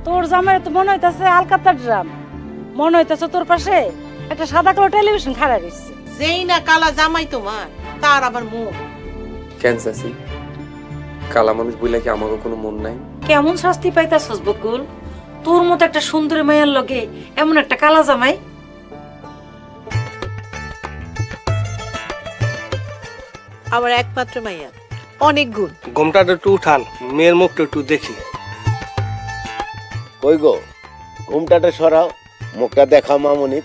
তোর জামাই তো মনে হইতাছে আলকাতার ড্রাম, মনে হইতাছে তোর পাশে একটা সাদা কালো টেলিভিশন খাড়া রইছে। যেই না কালা জামাই তোমার, তার আবার মুখ। কেন চাচি, কালা মানুষ বইলা কি আমারও কোনো মন নাই? কেমন শাস্তি পাইতাছস বকুল? তোর মতো একটা সুন্দরী মায়ের লগে এমন একটা কালা জামাই। আমার একমাত্র মাইয়া, অনেক গুণ। ঘুমটাটা একটু উঠান, মেয়ের মুখটা একটু দেখি। কই গো, ঘুমটাটা সরাও, মুখটা দেখাও মামুনি।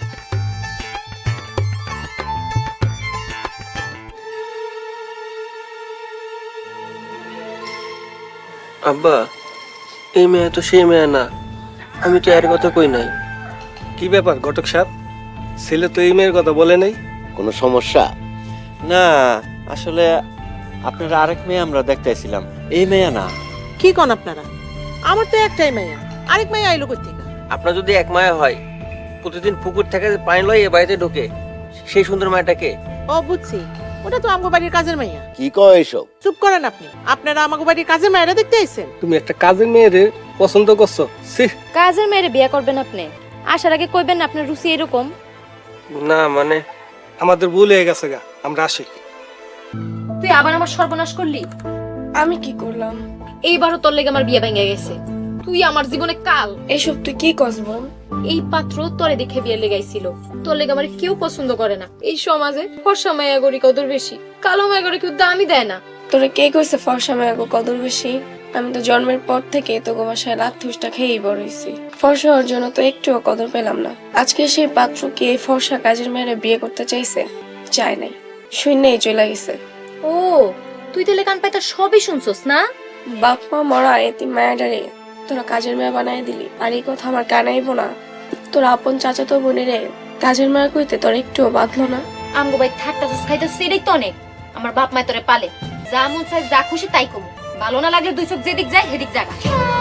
আব্বা, এই মেয়ে তো সেই মেয়ে না, আমি তো এর কথা কই নাই। কি ব্যাপার ঘটক সাহেব, ছেলে তো এই মেয়ের কথা বলে নাই? কোনো সমস্যা? না, আসলে আপনারা আরেক মেয়ে আমরা দেখতেছিলাম, এই মেয়ে না। কি কোন আপনারা? আমার তো একটাই মাইয়া, আরেক মাইয়া আইলো কই থেকে? আপনার যদি এক মায়া হয়, প্রতিদিন পুকুর থেকে পানি লয় এ বাড়িতে ঢোকে, সেই সুন্দর মায়াটাকে? ও বুঝছি, ওটা তো আমগো বাড়ির কাজের মাইয়া। কি কয় এসব? চুপ করেন আপনি। আপনারা আমাগো বাড়ির কাজের মায়েরা দেখতে আইছেন? তুমি একটা কাজের মেয়েরে পছন্দ করছো? ছি! কাজের মেয়েরে বিয়ে করবেন আপনি? আসার আগে কইবেন না আপনার রুচি এরকম? না মানে, আমাদের ভুল হয়ে গেছে গা, আমরা আসি। তুই আবার আমার সর্বনাশ করলি। আমি কি করলাম? এইবারও তোর লেগে আমার বিয়ে ভেঙে গেছে। তুই আমার জীবনে কাল। এসব তুই কি কসব? এই পাত্র তোরে দেখে বিয়ে লেগাইছিল। তোর লেগে আমার কেউ পছন্দ করে না। এই সমাজে ফর্সা মায়া গরি কদর বেশি, কালো মায়া গরি কেউ দামই দেয় না। তোরে কে কইছে ফর্সা মায়াগো কদর বেশি? আমি তো জন্মের পর থেকে তোকে বাসায় লাথুসটা খেয়েই বড় হইছি। ফর্সা হওয়ার জন্য তো একটুও কদর পেলাম না। আজকে সেই পাত্র কি এই ফর্সা কাজের মেয়েরা বিয়ে করতে চাইছে? চায় নাই, শূন্যই চলে গেছে। ও, তুই তাহলে কান পাইতা সবই শুনছস না? বাপ মা মরা এতি মায়াডারে তোরা কাজের মেয়ে বানাই দিলি, আর এই কথা আমার কানাইব না? তোর আপন চাচাতো বোনেরে কাজের মেয়ে কইতে তোর একটুও বাঁধলো না? আমগো ভাই থাকতাছস খাইতাছস এটাই তো অনেক। আমার বাপ মায় তোরে পালে, যা মন চাই যা খুশি তাই কমু। ভালো না লাগলে দুই চোখ যেদিক যায় সেদিক জাগা।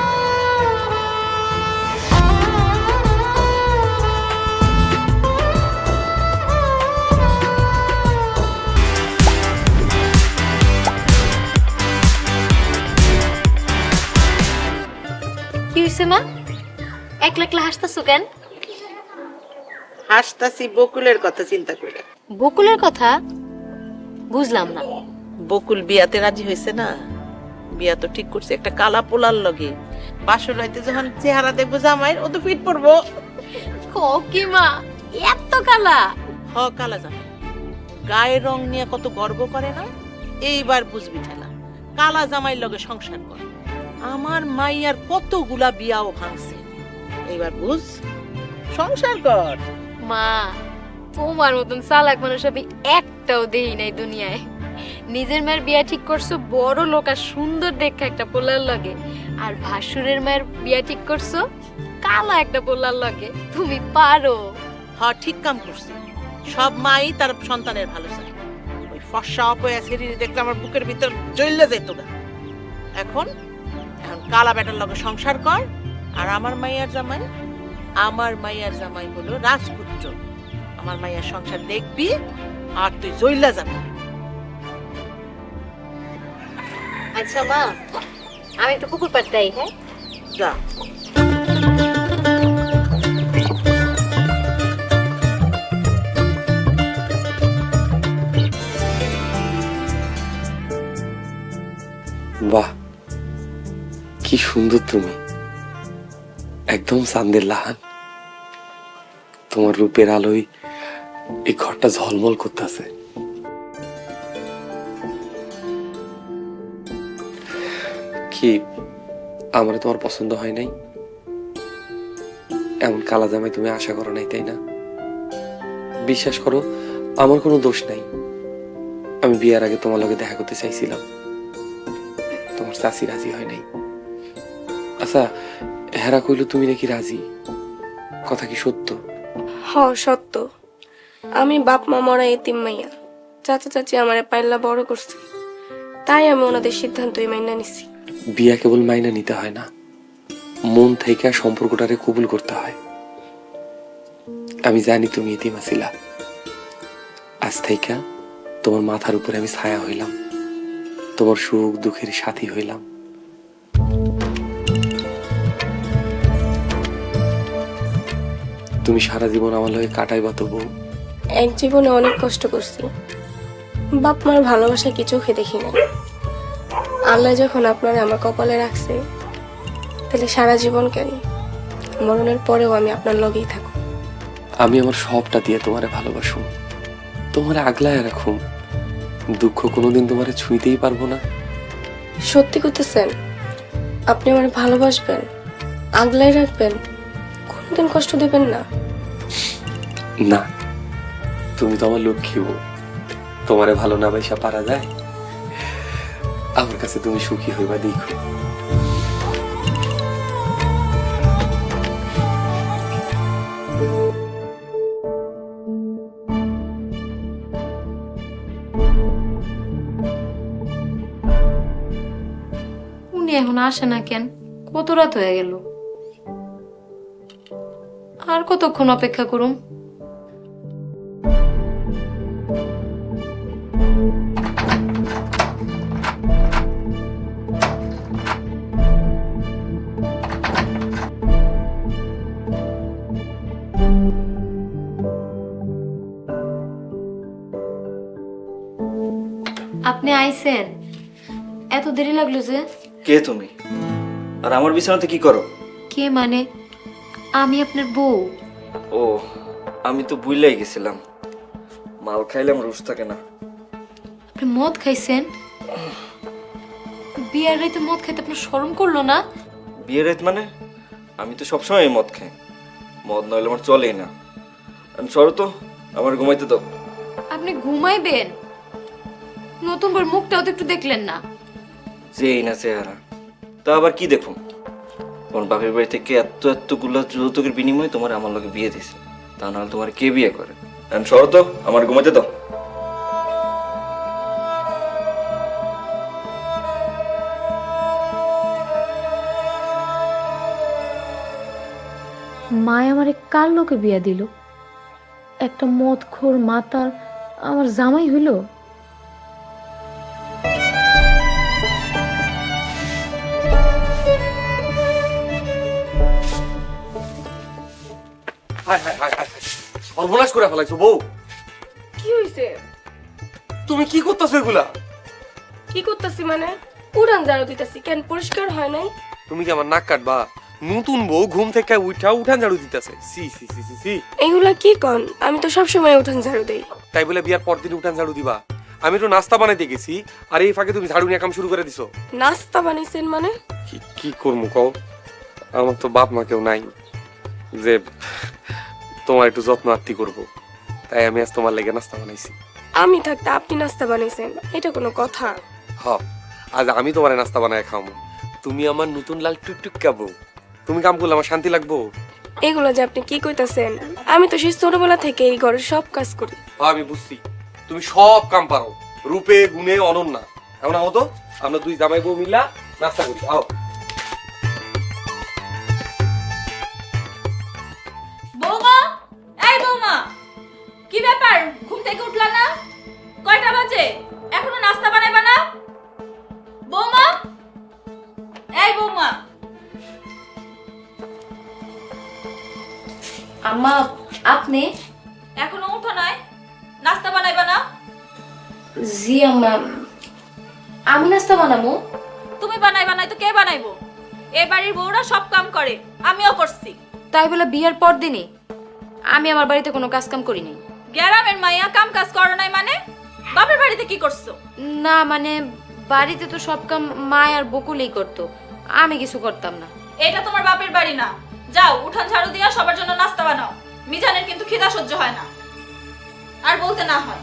কি হইছে মা? একলা একলা হাসতাছো কেন? হাসতাছি বকুলের কথা চিন্তা করে। বকুলের কথা বুঝলাম না। বকুল বিয়াতে রাজি হয়েছে না? বিয়া তো ঠিক করছে একটা কালা পোলার লগে। বাসর রাইতে যখন চেহারা দেখবো জামাইয়ের, ও তো ফিট পড়বো। কি মা, এত কালা? হ, কালা জামাই গায়ের রং নিয়ে কত গর্ব করে না? এইবার বুঝবি ঠেলা, কালা জামাইয়ের লগে সংসার কর। আমার মাইয়ার কতগুলা বিয়াও ভাঙছে, এইবার বুঝ, সংসার কর। মা, তোমার মতন চালাক মানুষ আমি একটাও দেই নাই দুনিয়ায়। নিজের মায়ের বিয়া ঠিক করছো বড় লোক আর সুন্দর দেখে একটা পোলার লগে, আর ভাসুরের মায়ের বিয়া ঠিক করছো কালা একটা পোলার লগে। তুমি পারো। হ, ঠিক কাম করছি। সব মাই তার সন্তানের ভালো চায়। ওই ফর্সা অপয়া শরীরে দেখলে আমার বুকের ভিতর জ্বললে যেত গা। এখন এখন কালা বেটার লগে সংসার কর। আর আমার মাইয়ার জামাই হলো রাজপুত্র। আমার মাইয়ার সংসার দেখবি আর তুই জ্বললা যাবি। আচ্ছা মা, আমি একটু পুকুর পাড় যাই। হ্যাঁ, যা। বাহ, কি সুন্দর তুমি, একদম চাঁদের লাহান। তোমার রূপের আলোয় এই ঘরটা ঝলমল করতেছে। কি আমার তোমার পছন্দ হয় নাই? এমন কালা জামাই তুমি আশা করো নাই, তাই না? বিশ্বাস করো, আমার কোনো দোষ নাই। আমি বিয়ার আগে তোমার লগে দেখা করতে চাইছিলাম, তোমার চাচি রাজি হয় নাই। আচ্ছা, হেরা কইলো তুমি নাকি রাজি, কথা কি সত্য? হ, সত্য। আমি বাপ মা মরা এতিম মাইয়া, চাচা চাচি আমারে পাইল্লা বড় করছে, তাই আমি ওনাদের সিদ্ধান্তই মাইনা নিছি। বিয়া কেবল মাইনা নিতে হয় না, মন থেকে সম্পর্কটারে কবুল করতে হয়। আমি জানি তুমি এতিম আছিলা, আজ থেকে তোমার মাথার উপরে আমি ছায়া হইলাম, তোমার সুখ দুঃখের সাথী হইলাম। তুমি সারা জীবন আমার লগে কাটাইবা তো বউ। এক জীবনে অনেক কষ্ট করছি, বাপ মার ভালোবাসা কি চোখে দেখি না। আল্লাহ যখন আপনারা আমার কপালে রাখছে, তাহলে সারা জীবন কেন, মরণের পরেও আমি আপনার লগেই থাকব। আমি আমার সবটা দিয়ে তোমারে ভালোবাসুম, তোমারে আগলায় রাখুম, দুঃখ কোনোদিন তোমারে ছুঁইতেই পারবো না। সত্যি করতেছেন? আপনি আমার ভালোবাসবেন, আগলায় রাখবেন, কোনদিন কষ্ট দেবেন না? না, তুমি তো আমার লক্ষ্মী বউ, তোমারে ভালো না বাইসা পারা যায়? আমার কাছে তুমি সুখী হইবা দেখো। উনি এখন আসে না কেন? কত রাত হয়ে গেল, আর কতক্ষণ অপেক্ষা করুম? আপনি আইছেন, এত দেরি লাগলো যে? কে তুমি? আর আমার বিছানাতে কি করো? কে মানে? আমি আপনার বউ। ও, আমি তো ভুলেই গেছিলাম। মাল খাইলে আমার রুশ থাকে না। আপনি মদ খাইছেন? বিয়ার রাইতে মদ খাইতে আপনার শরম করলো না? বিয়ের রাত মানে? আমি তো সবসময় মদ খাই, মদ নইলে আমার চলেই না। সরো তো, আমার ঘুমাইতে দাও। আপনি ঘুমাইবেন? নতুন করে মুখটাও তো একটু দেখলেন না? যেই না চেহারা, তা আবার কি দেখুন? তোমার বাপের বাড়ি থেকে এতগুলো যৌতুকের বিনিময়ে তোমার আমার লগে বিয়ে দিছে, তা নাহলে তোমার কে বিয়ে করে? সরো তো, আমার ঘুমাইতে দাও। মায় আমারে কার লোকে বিয়া দিল? একটা মদখোর মাতাল আমার জামাই হইল? সর্বনাশ করে ফেলাইছো বউ। কি হয়েছে? তুমি কি করতেছো এগুলা? কি করতেছি মানে? উড়ান ঝাড়ু দিতেছি, কেন পরিষ্কার হয় নাই? তুমি কি আমার নাক কাটবা? নতুন বউ ঘুম থেকে উঠান ঝাড়ু দিতেছে। সি সি সি সি সি। এগুলা কি কন? আমি তো সবসময় উঠান ঝাড়ু দেই। তাই বলে বিয়ার পর দিন উঠান ঝাড়ু দিবা? আমি তো নাস্তা বানাইতে গেছি, আর এই ফাঁকে তুমি ঝাড়ু নিয়ে কাম শুরু করে দিছো। নাস্তা বানাইছেন মানে? কি করবো কও? আমার তো বাপ মা কেউ নাই যে তোমার একটু যত্ন আত্তি করবো, তাই আমি আজ তোমার লেগে নাস্তা বানাইছি। আমি থাকতে আপনি নাস্তা বানাইছেন, এটা কোনো কথা? হ, আজ আমি তোমার নাস্তা বানায় খাওয়াবো। তুমি আমার নতুন লাল টুকটুক খাবো। তুমি কাম করলে আমার শান্তি লাগবো? এগুলো যে আপনি কি কইতাছেন? আমি তো সেই ছোটবেলা থেকে এই ঘরের সব কাজ করি। আমি বুঝছি, তুমি সব কাম পারো, রূপে গুণে অনন্যা। এমন হতো আমরা দুই জামাই বউ মিলা নাস্তা করি। আও। বৌমা, এই বৌমা, কি ব্যাপার? ঘুম থেকে উঠলা না? কয়টা বাজে? এখনো নাস্তা বানাইবা না? বৌমা, এই বৌমা। আম্মা, আপনি এখনো উঠো নাই? নাস্তা বানাইবা না? জি আম্মা, আমি নাস্তা বানাবো। তুমি বানাইবা নাই তো কে বানাইবো? এ বাড়ির বউরা সব কাম করে, আমিও করছি। তাই বলে বিয়ের পর দিনই আমি আমার বাড়িতে কোনো কাজ কাম করি নাই। গ্রামের মাইয়া কাম কাজ করো নাই মানে? বাপের বাড়িতে কি করছো? না মানে বাড়িতে তো সব কাম মা আর বকুলেই করতো, আমি কিছু করতাম না। এটা তোমার বাপের বাড়ি না। যাও উঠান ঝাড়ু দিয়া সবার জন্য নাস্তা বানাও। মিজানের কিন্তু খিদা সহ্য হয় না, আর বলতে না হয়।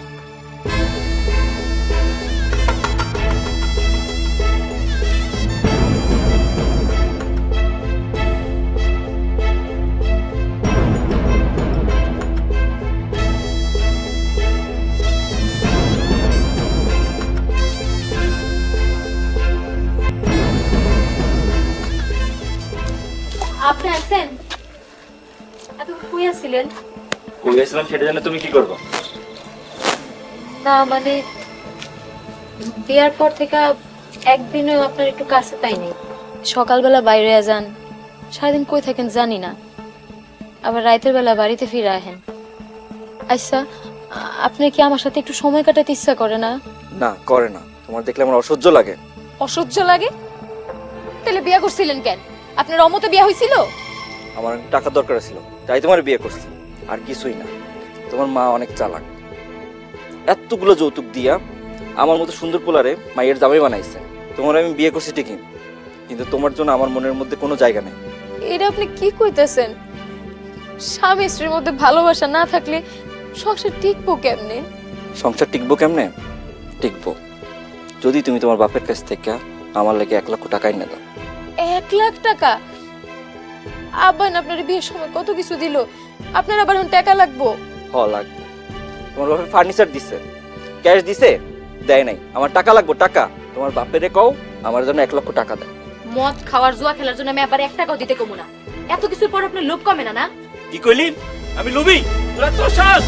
আপনি আছেন? এত কই আছিলেন? কই আসলাম সেটা জানে তুমি কি করবো? না মানে বিয়ার পর থেকে একদিনও আপনার একটু কাছে পাইনি। সকালবেলা বাইরে যান, সারাদিন কই থাকেন জানি না। আবার রাতের বেলা বাড়িতে ফিরে আহেন। আচ্ছা, আপনি কি আমার সাথে একটু সময় কাটাতে ইচ্ছা করে না? না, করে না। তোমার দেখলে আমার অসহ্য লাগে। অসহ্য লাগে? তাহলে বিয়ে করছিলেন কেন? আপনার অমতে বিয়ে হয়েছিল? আমার অনেক টাকা দরকার ছিল, তাই তোমার বিয়ে করছি, আর কিছুই না। তোমার মা অনেক চালাক, এতগুলো যৌতুক দিয়া আমার মতো সুন্দর পোলারে মায়ের জামাই বানাইছে। তোমার আমি বিয়ে করছি ঠিকই, কিন্তু তোমার জন্য আমার মনের মধ্যে কোনো জায়গা নেই। এটা আপনি কি কইতেছেন? স্বামী স্ত্রীর মধ্যে ভালোবাসা না থাকলে সংসার টিকবো কেমনে? সংসার টিকবো কেমনে? টিকবো যদি তুমি তোমার বাপের কাছ থেকে আমার লেগে 1 লক্ষ টাকা এনে দাও। 1 লাখ টাকা? আব্বা না আপনার বিয়ের সময় কত কিছু দিল, আপনার আবার এখন টাকা লাগবো? লাগবে। তোমার বাপের ফার্নিচার দিছে, ক্যাশ দিছে? দেয় নাই। আমার টাকা লাগবো, টাকা। তোমার বাপেরে কও আমার জন্য 1 লক্ষ টাকা দেয়। মদ খাওয়ার জুয়া খেলার জন্য আমি আবার 1 টাকাও দিতে কমু না। এত কিছুর পর আপনার লোভ কমে না? না কি কইলি? আমি লোভী? তোরা তো শ্বাস।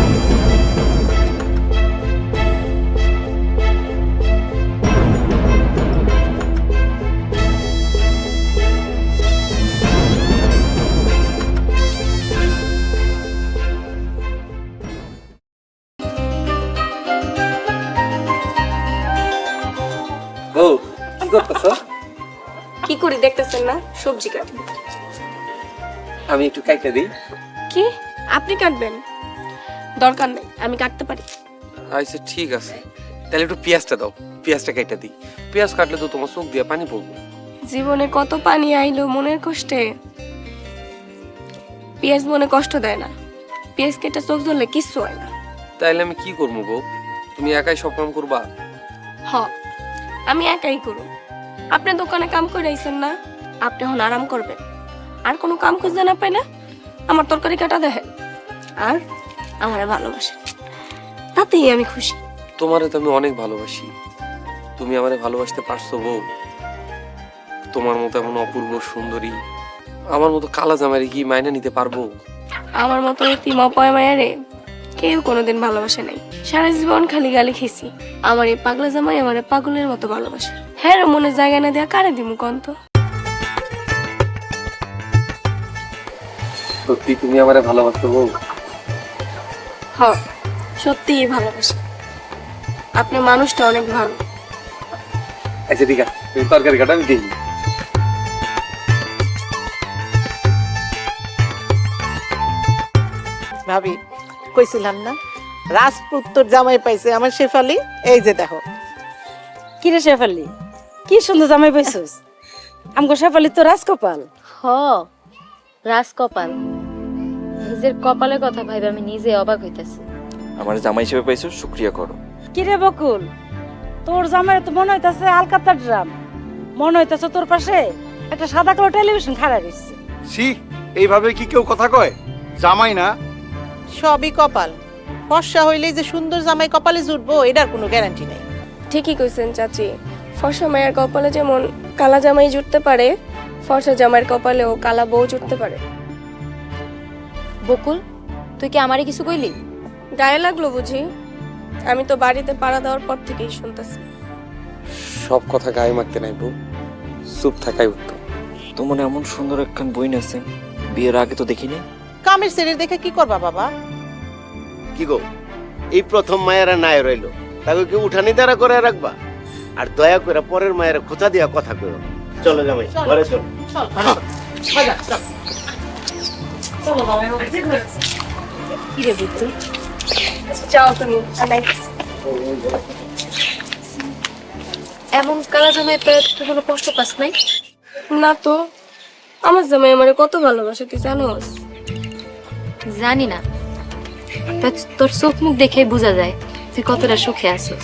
বউ কি করতেছ? কি করি দেখতেছেন না? সবজি কাটি। আমি একটু কাইটা দিই। কি আপনি কাটবেন? দরকার নেই, আমি কাটতে পারি। আচ্ছা ঠিক আছে, তাহলে একটু পেঁয়াজটা দাও, পেঁয়াজটা কাইটা দিই। পেঁয়াজ কাটলে তো তোমার চোখ দিয়ে পানি পড়বো। জীবনে কত পানি আইলো মনের কষ্টে। পেঁয়াজ মনে কষ্ট দেয় না, পেঁয়াজ কেটে চোখ ধরলে কিচ্ছু হয় না। তাইলে আমি কি করবো বউ? তুমি একাই সব কাম করবা? হ, আমি একাই করব। আপনি দোকানে কাম করে আইছেন না, আপনি এখন আরাম করবেন। আর কোনো কাম খুঁজতে না পাইলে আমার তরকারি কাটা দেখেন আর আমারে ভালোবাসেন, তাতেই আমি খুশি। তোমারে তো আমি অনেক ভালোবাসি, তুমি আমারে ভালোবাসতে পারছো বউ? তোমার মতো এমন অপূর্ব সুন্দরী আমার মতো কালা জামাইরে কি মাইনা নিতে পারবো? আমার মতো এতিম অপয় মায়ারে কেউ কোনোদিন ভালোবাসে নাই। সারা জীবন খালি গালি খেয়েছি। আমার এই পাগলা জামাই আমারে পাগলের মতো ভালোবাসে। হ্যাঁ রে, মনে জায়গা না দেয়া কারে দিমু কন্ত? সত্যি তুমি আমারে ভালোবাসো বউ? হ, সত্যিই ভালোবাসে। আপনি মানুষটা অনেক ভালো। আচ্ছা ঠিক আছে, তুমি তরকারি কাটা, আমি দিই। ভাবি কইছিলাম না রাজপুত্তর জামাই পাইছে আমার শেফালি। এই যে দেখো। কি রে শেফালি, কি সুন্দর জামাই পাইছস। আমগো শেফালি তো রাজকপাল। হ, রাজকপাল। নিজের কপালের কথা ভাইবে আমি নিজে অবাক হইতাছি। আমার জামাই হিসেবে পাইছো, শুকরিয়া করো। কি রে বকুল, তোর জামাই তো মনে হইতাছে আলকাতার ড্রাম। মনে হইতাছে তোর পাশে একটা সাদা কালো টেলিভিশন খাড়া রইছে। সি, এইভাবে কি কেউ কথা কয়? জামাই না, সবই কপাল। ফর্সা হইলে যে সুন্দর জামাই কপালে জুটবো এটার কোনো গ্যারান্টি নাই। ঠিকই কইছেন চাচি। ফর্সা মায়ের কপালে যেমন কালা জামাই জুটতে পারে, ফর্সা জামাইয়ের কপালেও কালা বউ জুটতে পারে। বকুল, তুই কি আমারে কিছু কইলি? গায়ে লাগলো বুঝি? আমি তো বাড়িতে পাড়া দেওয়ার পর থেকেই শুনতেছি। সব কথা গায়ে মাখতে নাই বউ, চুপ থাকাই উত্তম। তোমার এমন সুন্দর একখান বইন আছে, বিয়ের আগে তো দেখিনি। কামের ছেলের দেখে কি করবা বাবা? কি গো, এই প্রথম মায়েরা নাই রইলো, তাকে কি উঠানি দ্বারা করে রাখবা? আর দয়া করে পরের মায়ের খোঁচা দিয়া কথা কইও। চলো জামাই, ঘরে চলো। কি রে বুঝছো? যাও তুমি, আমি আইতাছি। এমন কালা জামাই পেয়ে তুই কোনো কষ্ট পাস নাই? না তো, আমার জামাই আমারে কত ভালোবাসে তুই জানোস? জানি না, তোর চোখ মুখ দেখেই বোঝা যায় তুই কতটা সুখে আছিস।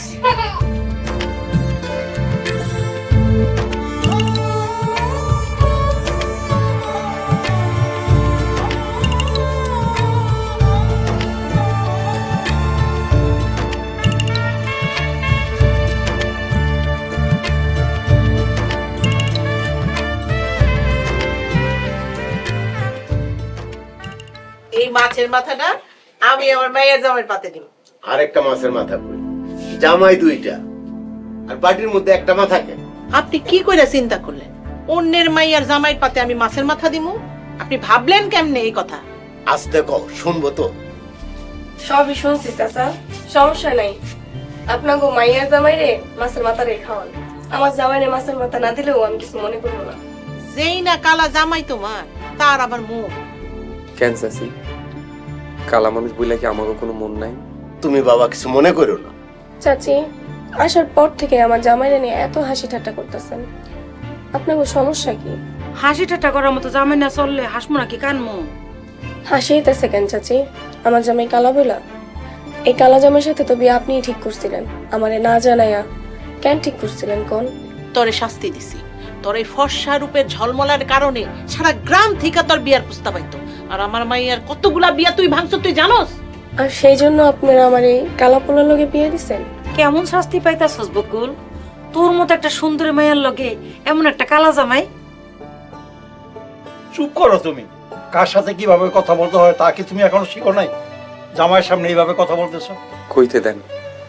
এই মাছের মাথাটা আমি আমার মায়ের জামাইয়ের পাতে দিব। আরেকটা মাছের মাথা কই? জামাই দুইটা আর বাটির মধ্যে একটা মাথা কেন? আপনি কি কইরা চিন্তা করলেন অন্যের মাইয়ার জামাইয়ের পাতে আমি মাছের মাথা দিমু? আপনি ভাবলেন কেমনে এই কথা? আজ দেখো শুনবো তো। সবই শুনছি চাচা, সমস্যা নাই। আপনার গো মাইয়ার জামাইরে মাছের মাথা রে খাওয়ান। আমার জামাইরে মাছের মাথা না দিলেও আমি কিছু মনে করবো না। যেই না কালা জামাই তোমার, তার আবার মুখ। কেন চাচি, কালা মানুষ বইলে কি আমারও কোনো মন নাই? তুমি বাবা কিছু মনে করো না। চাচি, আসার পর থেকে আমার জামাইরে নিয়ে এত হাসি ঠাট্টা করতেছেন, আপনার সমস্যা কি? হাসি ঠাট্টা করার মতো জামাই না চললে হাসমু নাকি কানমু? হাসিতেছে কেন চাচি? আমার জামাই কালা বইলা? এই কালা জামাইয়ের সাথে তো বিয়ে আপনিই ঠিক করছিলেন, আমারে না জানাইয়া। কেন ঠিক করছিলেন কোন? তোরে শাস্তি দিছি। তোর এই ফর্সা রূপের ঝলমলার কারণে সারা গ্রাম থেকে তোর বিয়ার প্রস্তাব আইতো। আর আমার মাইয়ার কতগুলা বিয়া তুই ভাঙছ তুই জানোস? আর সেই জন্য আপনারা আমার এই কালা পোলার লগে বিয়ে দিছেন? কেমন শাস্তি পাইতাছস বকুল? তোর মতো একটা সুন্দরী মায়ের লগে এমন একটা কালা জামাই? চুপ করো তুমি। কার সাথে কিভাবে কথা বলতে হয় তা কি তুমি এখনো শিখো নাই? জামাইয়ের সামনে এইভাবে কথা বলতেছো? কইতে দেন,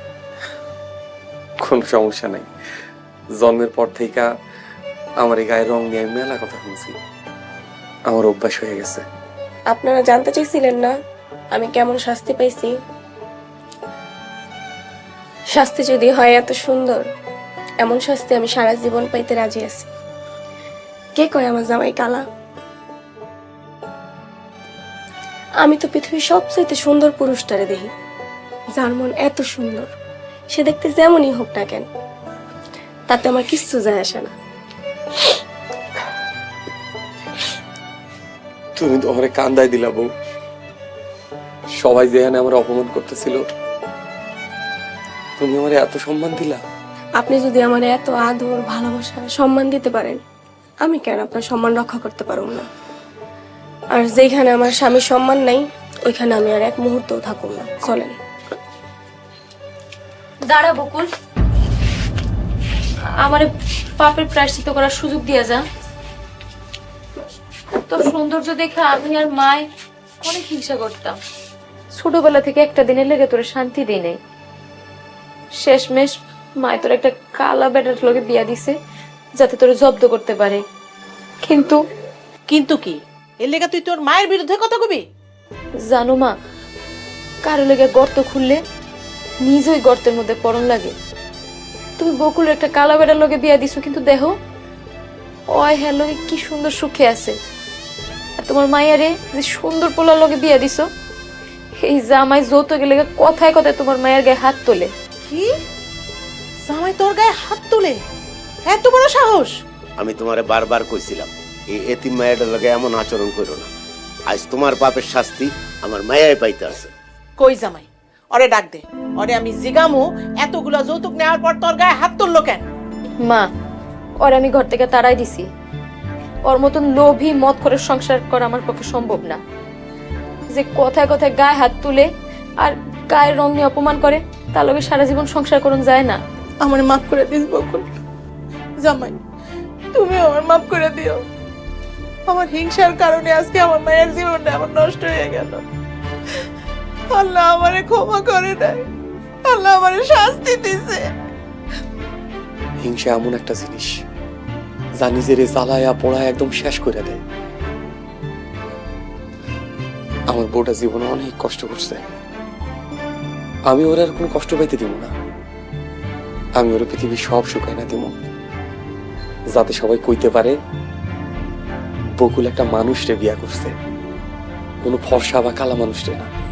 কোনো সমস্যা নাই। জন্মের পর থেকে আমার এই গায়ের রং নিয়ে আমি মেলা কথা শুনছি, আমার অভ্যাস হয়ে গেছে। আপনারা জানতে চাইছিলেন না আমি কেমন শাস্তি পাইছি? শাস্তি যদি হয় এত সুন্দর, এমন শাস্তি আমি সারা জীবন পাইতে রাজি আছি। কে কয় আমার জামাই কালা? আমি তো পৃথিবীর সবচেয়ে সুন্দর পুরুষটারে দেখি, যার মন এত সুন্দর, সে দেখতে যেমনই হোক না কেন, তাতে আমার কিচ্ছু যায় আসে না। তুমি তো আমারে কান্দায় দিলা বউ। সবাই যেখানে আমার অপমান করতেছিল, তুমি আমারে এত সম্মান দিলা। আপনি যদি আমার এত আদর, ভালোবাসা, সম্মান দিতে পারেন, আমি কেন আপনার সম্মান রক্ষা করতে পারবো না? আর যেখানে আমার স্বামীর সম্মান নাই, ওইখানে আমি আর এক মুহূর্তও থাকুন না। চলেন। দাঁড়া বকুল, আমারে পাপের প্রায়শ্চিত্ত করার সুযোগ দিয়া যা। তোর সৌন্দর্য দেখে আমি আর মায় অনেক হিংসা করতাম। ছোটবেলা থেকে একটা দিনের লেগে তোর শান্তি দেই নাই। শেষমেশ মায় তোর একটা কালা বেটার লোকে বিয়া দিছে, যাতে তোর জব্দ করতে পারে। কিন্তু কিন্তু কি, এর লেগে তুই তোর মায়ের বিরুদ্ধে কথা কবি? জানো মা, কারো লেগে গর্ত খুললে নিজই গর্তের মধ্যে পড়ন লাগে। তুমি বকুলের একটা কালা বেটার লোকে বিয়া দিছো, কিন্তু দেখো ওই হ্যাঁ লোকে কি সুন্দর সুখে আছে। আর তোমার মায়ারে যে সুন্দর পোলার লোকে বিয়া দিছো, এই জামাই যৌতুক লেগে কথায় কথায় তোমার মায়ের গায়ে হাত তোলে। কি? জামাই তোর গায়ে হাত তুলে? এত বড় সাহস? আমি তোমারে বারবার কইছিলাম এই এতিম মায়ের লগে এমন আচরণ করো না। আজ তোমার পাপের শাস্তি আমার মায়াই পাইতে আছে। কই জামাই? ওরে ডাক দে, ওরে আমি জিগামু এতগুলা যৌতুক নেওয়ার পর তোর গায়ে হাত তুললো কেন? মা, ওর আমি ঘর থেকে তাড়াই দিছি। ওর মতন লোভী মদ করে সংসার করা আমার পক্ষে সম্ভব না। যে কথায় কথায় গায়ে হাত তুলে আর গায়ের রং নিয়ে অপমান করে, তার লগে সারা জীবন সংসার করুন যায় না। আমার মাফ করে দিস বকুল। জামাই, তুমি আমার মাফ করে দিও। আমার হিংসার কারণে আজকে আমার মায়ের জীবনটা আমার নষ্ট হয়ে গেল। আল্লাহ আমারে ক্ষমা করে নাই, আল্লাহ আমারে শাস্তি দিছে। হিংসা এমন একটা জিনিস যা নিজের জ্বালায়া পোড়ায় একদম শেষ করে দেয়। আমার বউটা জীবনে অনেক কষ্ট করছে, আমি ওর আর কোনো কষ্ট পাইতে দিব না। আমি ওর পৃথিবীর সব শুকাই না দিব, যাতে সবাই কইতে পারে বকুল একটা মানুষরে বিয়া করছে, কোনো ফর্সা বা কালা মানুষরে না।